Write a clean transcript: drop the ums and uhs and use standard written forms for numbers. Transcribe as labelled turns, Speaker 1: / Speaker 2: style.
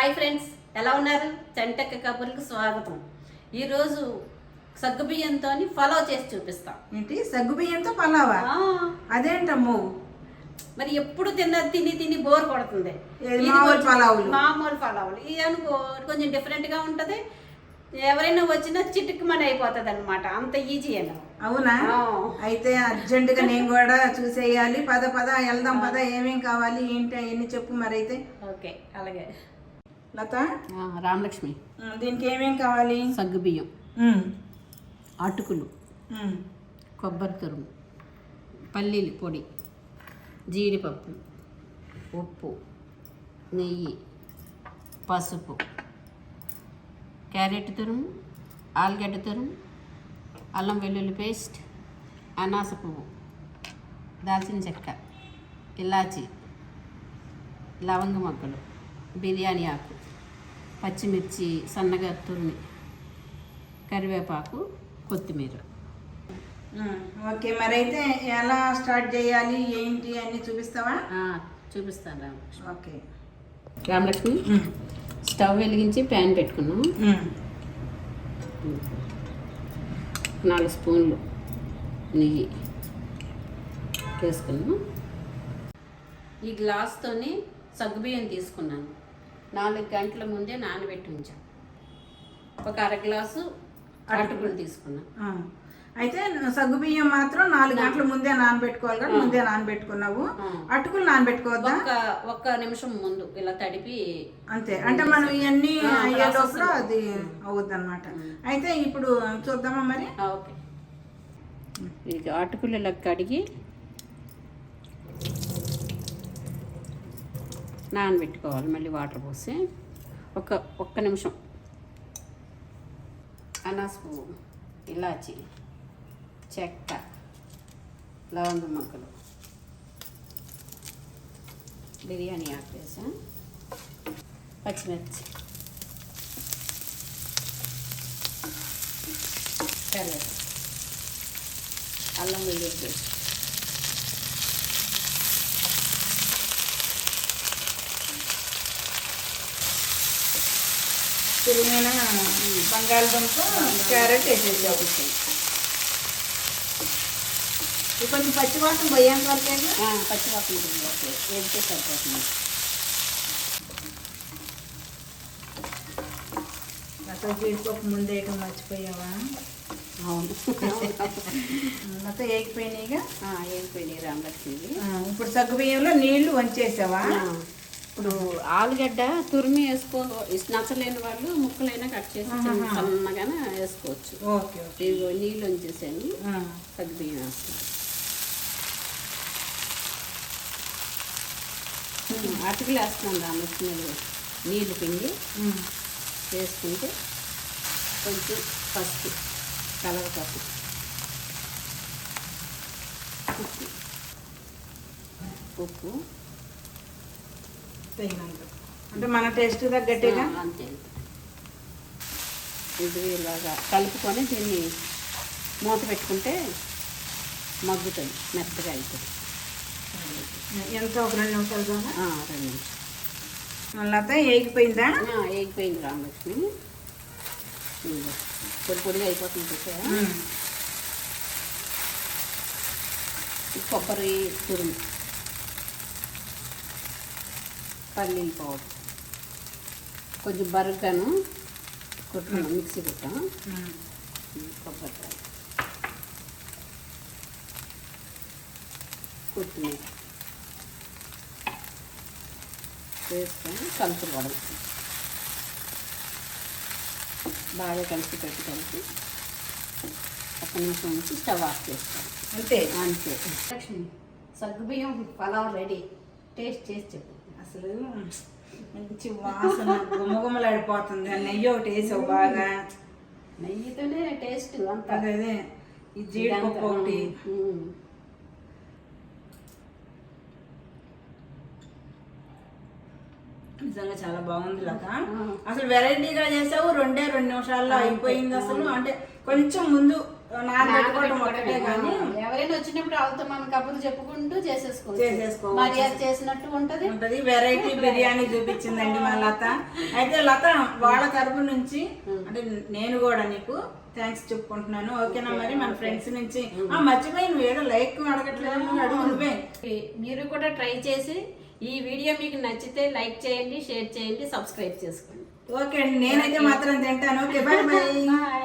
Speaker 1: Hi friends, ఎలా ఉన్నారు? చంటక్క కబుర్లకు స్వాగతం. ఈరోజు సగ్గుబియ్యంతో పలావ్ చేసి చూపిస్తాం.
Speaker 2: ఏంటి సగ్గుబియ్యంతో పలావా? అదేంటమ్మో,
Speaker 1: మరి ఎప్పుడు తిని తిని బోర్ కొడుతుంది. మామూలు పలావులు ఇది అనుకో, కొంచెం డిఫరెంట్గా ఉంటుంది. ఎవరైనా వచ్చినా చిటుక్కుమని అయిపోతుంది అనమాట. అంత ఈజీ అన్న.
Speaker 2: అవునా? అయితే అర్జెంటుగా నేను కూడా చూసేయాలి. పద వెళ్దాం. పద ఏమేం కావాలి ఏంటి అవన్నీ చెప్పు మరి. అయితే
Speaker 1: ఓకే, అలాగే.
Speaker 2: లత,
Speaker 1: రామలక్ష్మి,
Speaker 2: దీనికి ఏమేం కావాలి?
Speaker 1: సగ్గుబియ్యం, అటుకులు, కొబ్బరి తురుము, పల్లీల పొడి, జీడిపప్పు, ఉప్పు, నెయ్యి, పసుపు, క్యారెట్ తురుము, ఆలుగడ్డ తురుము, అల్లం వెల్లుల్లి పేస్ట్, అనాస పువ్వు, దాల్చిన చెక్క, ఇలాచి, లవంగ మొగ్గలు, బిర్యానీ ఆకు, పచ్చిమిర్చి సన్నగా తురిమి, కరివేపాకు, కొత్తిమీర.
Speaker 2: ఓకే, మరి అయితే ఎలా స్టార్ట్ చేయాలి ఏంటి అన్నీ చూపిస్తావా?
Speaker 1: చూపిస్తాను రామలక్ష్మి.
Speaker 2: ఓకే
Speaker 1: రామలక్ష్మి, స్టవ్ వెలిగించి ప్యాన్ పెట్టుకున్నాం. 4 స్పూన్లు నెయ్యి వేసుకున్నాం. ఈ గ్లాస్తోని సగ్గుబియ్యం తీసుకున్నాను. 4 గంటల ముందే నానబెట్టి ఉంచాను. ఒక అర గ్లాసు అటుకులు తీసుకున్నాను.
Speaker 2: అయితే సగ్గుబియ్యం మాత్రం 4 గంటల ముందే నానబెట్టుకోవాలి కదా? ముందే నానబెట్టుకున్నావు. అటుకులు నానబెట్టుకోవద్దా?
Speaker 1: ఒక్క నిమిషం ముందు ఇలా తడిపి
Speaker 2: అంతే. అంటే మనం ఇవన్నీ అయ్యే లోపల అది అవుద్ది అనమాట. అయితే ఇప్పుడు చూద్దామా మరి?
Speaker 1: ఓకే. ఇక అటుకులు ఇలా కడిగి నానబెట్టుకోవాలి. మళ్ళీ వాటర్ పోసి ఒక్క నిమిషం. అనాస పువ్వు, ఇలాచి, చెక్క, లవంగ మొగ్గలు, బిర్యానీ ఆకు వేసా, పచ్చిమిర్చి, కరివేపాకు, అల్లం వెల్లుల్లి పేస్ట్,
Speaker 2: తురిమిన బంగాళదుంప, క్యారెట్ వేసేసావు. కొంచెం పచ్చివాసన పోయేంత వరకే.
Speaker 1: పచ్చివాసన వేస్తే సరిపోతుంది.
Speaker 2: అసలు జీడిపప్పు ముందే మర్చిపోయావా?
Speaker 1: అవును,
Speaker 2: మొత్తం ఏగిపోయినాయిగా.
Speaker 1: ఏగిపోయినాయి రామలక్ష్మి.
Speaker 2: ఇప్పుడు సగ్గుబియ్యంలో నీళ్లు వంచేసావా?
Speaker 1: ఇప్పుడు ఆలుగడ్డ తురిమి నచ్చలేని వాళ్ళు ముక్కలైనా కట్ చేసి సన్నగానే వేసుకోవచ్చు.
Speaker 2: Okay okay.
Speaker 1: ఇదిగో నీళ్ళు వంచేసాను. సగ్గుబియ్యం వేస్తాను. అటుకులు వేస్తున్నాను రామలక్ష్మి. నీళ్ళు పిండి వేసుకుంటే కొంచెం పసుపు, కలర్ పప్పు, ఉప్పు
Speaker 2: తగినంత, అంటే మన టేస్ట్ తగ్గట్టుగా
Speaker 1: అంతే. ఇది ఇలాగా కలుపుకొని దీన్ని మూత పెట్టుకుంటే మగ్గుతుంది, మెత్తగా అవుతుంది.
Speaker 2: ఎంత? ఒక 2 నిమిషాలు కదా?
Speaker 1: 2 నిమిషాలు.
Speaker 2: మళ్ళీ ఏగిపోయిందా?
Speaker 1: ఏగిపోయింది రామలక్ష్మి. పొడిగా అయిపోతుంది. కొబ్బరి తురుము, పల్లీల పౌడర్, కొంచెం బరగ్గాను కొట్టుకున్నాం, మిక్సీ కొట్టాం. కొబ్బరికాయ, కొత్తిమీర వేసుకొని కలుపుకోవడం. బాగా కలిపి ఒక్క నిమిషం నుంచి స్టవ్ ఆఫ్ చేస్తాం.
Speaker 2: అంతే
Speaker 1: అంతే. లక్ష్మి, సగ్గుబియ్యం పలావ్ రెడీ. టేస్ట్ చేసి చెప్పు.
Speaker 2: అసలు మంచి వాసన గుమ్మగుమ్మలాడిపోతుంది. నెయ్యి ఒకటి వేసావు బాగా.
Speaker 1: నెయ్యితోనే టేస్ట్ అంతా.
Speaker 2: అదే ఈ జీడిపప్పు ఒకటి. నిజంగా చాలా బాగుంది లత. అసలు వెరైటీగా చేసావు. 2 నిమిషాల్లో అయిపోయింది. అసలు అంటే కొంచెం ముందు నానబెట్టుకోవడం ఒకటే కానీ
Speaker 1: ఎవరైనా వచ్చినప్పుడు వాళ్ళతో మనం కబుర్లు చెప్పుకుంటూ చేసేసుకోవచ్చు.
Speaker 2: చేసేసుకోవచ్చు.
Speaker 1: మరి అది చేసినట్టు ఉంటది.
Speaker 2: వెరైటీ బిర్యానీ చూపించిందండి మా లత. అయితే లత వాళ్ళ తరపు నుంచి అంటే నేను కూడా నీకు థ్యాంక్స్ చెప్పుకుంటున్నాను. ఓకేనా? మరి మన ఫ్రెండ్స్ నుంచి మర్చిపోయి నువ్వు ఏదో లైక్ అడగట్లేదు, నువ్వు అడుగు నువ్వే.
Speaker 1: మీరు కూడా ట్రై చేసి ఈ వీడియో మీకు నచ్చితే లైక్ చేయండి, షేర్ చేయండి, సబ్స్క్రైబ్ చేసుకోండి.
Speaker 2: ఓకే అండి, నేనైతే మాత్రం తింటాను. Okay, bye bye.